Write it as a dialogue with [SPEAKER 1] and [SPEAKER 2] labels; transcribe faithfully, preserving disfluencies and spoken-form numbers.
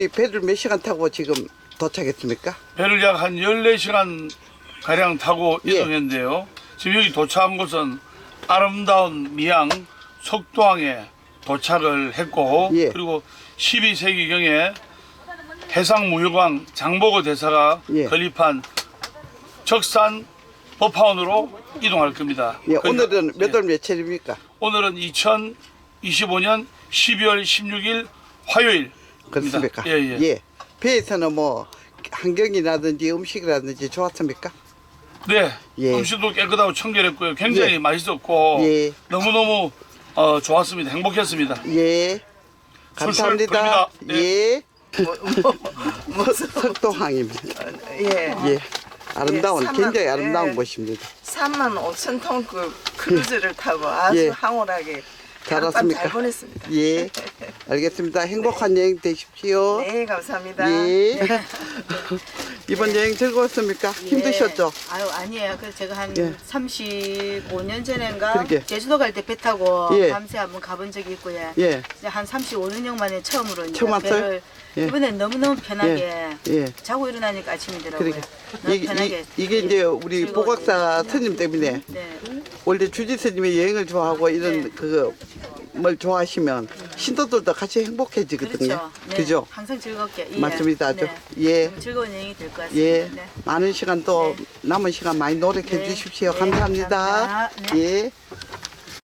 [SPEAKER 1] 이 배를 몇 시간 타고 지금 도착했습니까?
[SPEAKER 2] 배를 약 한 열네 시간 가량 타고
[SPEAKER 1] 예.
[SPEAKER 2] 이동했는데요. 지금 여기 도착한 곳은 아름다운 미양 속도항에 도착을 했고
[SPEAKER 1] 예.
[SPEAKER 2] 그리고 십이 세기경에 해상무역왕 장보고 대사가
[SPEAKER 1] 예.
[SPEAKER 2] 건립한 적산 법화원으로 이동할 겁니다.
[SPEAKER 1] 예,
[SPEAKER 2] 그-
[SPEAKER 1] 오늘은 몇
[SPEAKER 2] 예.
[SPEAKER 1] 월 며칠입니까?
[SPEAKER 2] 오늘은 이천이십오 년 십이월 십육일 화요일.
[SPEAKER 1] 그렇습니까?
[SPEAKER 2] 예, 예.
[SPEAKER 1] 배에서는 뭐 환경이라든지 음식이라든지 좋았습니까?
[SPEAKER 2] 네,
[SPEAKER 1] 예.
[SPEAKER 2] 음식도 깨끗하고 청결했고요. 굉장히
[SPEAKER 1] 예.
[SPEAKER 2] 맛있었고
[SPEAKER 1] 예.
[SPEAKER 2] 너무너무 어, 좋았습니다. 행복했습니다.
[SPEAKER 1] 예. 감사합니다.
[SPEAKER 2] 출출입니다.
[SPEAKER 1] 예.
[SPEAKER 3] 뭐, 뭐, 뭐,
[SPEAKER 1] 석도항입니다.
[SPEAKER 3] 예.
[SPEAKER 1] 예. 아름다운,
[SPEAKER 3] 예, 삼만-
[SPEAKER 1] 굉장히 아름다운
[SPEAKER 3] 예.
[SPEAKER 1] 곳입니다.
[SPEAKER 3] 삼만 오천 톤 그 크루즈를 타고 아주
[SPEAKER 1] 예.
[SPEAKER 3] 황홀하게
[SPEAKER 1] 잘
[SPEAKER 3] 하룻밤
[SPEAKER 1] 왔습니까?
[SPEAKER 3] 잘 보냈습니다.
[SPEAKER 1] 예. 알겠습니다. 행복한 여행 되십시오.
[SPEAKER 3] 네, 감사합니다.
[SPEAKER 1] 예. 이번 여행 즐거웠습니까? 힘드셨죠?
[SPEAKER 4] 예. 아유 아니에요. 그래서 제가 한
[SPEAKER 1] 예.
[SPEAKER 4] 삼십오 년 전인가
[SPEAKER 1] 그러게.
[SPEAKER 4] 제주도 갈 때 배 타고
[SPEAKER 1] 예.
[SPEAKER 4] 밤새 한번 가본 적이 있고요.
[SPEAKER 1] 예.
[SPEAKER 4] 이제 한 삼십오 년 만에 처음으로 이제
[SPEAKER 1] 처음 왔어요?
[SPEAKER 4] 배를
[SPEAKER 1] 예.
[SPEAKER 4] 이번엔 너무너무 편하게
[SPEAKER 1] 예.
[SPEAKER 4] 자고 일어나니까 아침이더라고요.
[SPEAKER 1] 그러게.
[SPEAKER 4] 너무
[SPEAKER 1] 이게,
[SPEAKER 4] 편하게.
[SPEAKER 1] 이, 게 이제 우리
[SPEAKER 4] 즐거워요.
[SPEAKER 1] 보각사 스님 때문에
[SPEAKER 4] 네.
[SPEAKER 1] 원래 주지 스님이 여행을 좋아하고 이런
[SPEAKER 4] 네.
[SPEAKER 1] 그걸 좋아하시면 신도들도 같이 행복해지거든요.
[SPEAKER 4] 그렇죠. 네.
[SPEAKER 1] 그죠?
[SPEAKER 4] 항상 즐겁게. 예.
[SPEAKER 1] 맞습니다. 아주.
[SPEAKER 4] 네.
[SPEAKER 1] 예.
[SPEAKER 4] 너무 즐거운 여행이 될 것 같습니다.
[SPEAKER 1] 예.
[SPEAKER 4] 네.
[SPEAKER 1] 많은 시간 또
[SPEAKER 4] 네.
[SPEAKER 1] 남은 시간 많이 노력해
[SPEAKER 4] 네.
[SPEAKER 1] 주십시오.
[SPEAKER 4] 네,
[SPEAKER 1] 감사합니다.
[SPEAKER 4] 감사합니다. 네.
[SPEAKER 1] 예.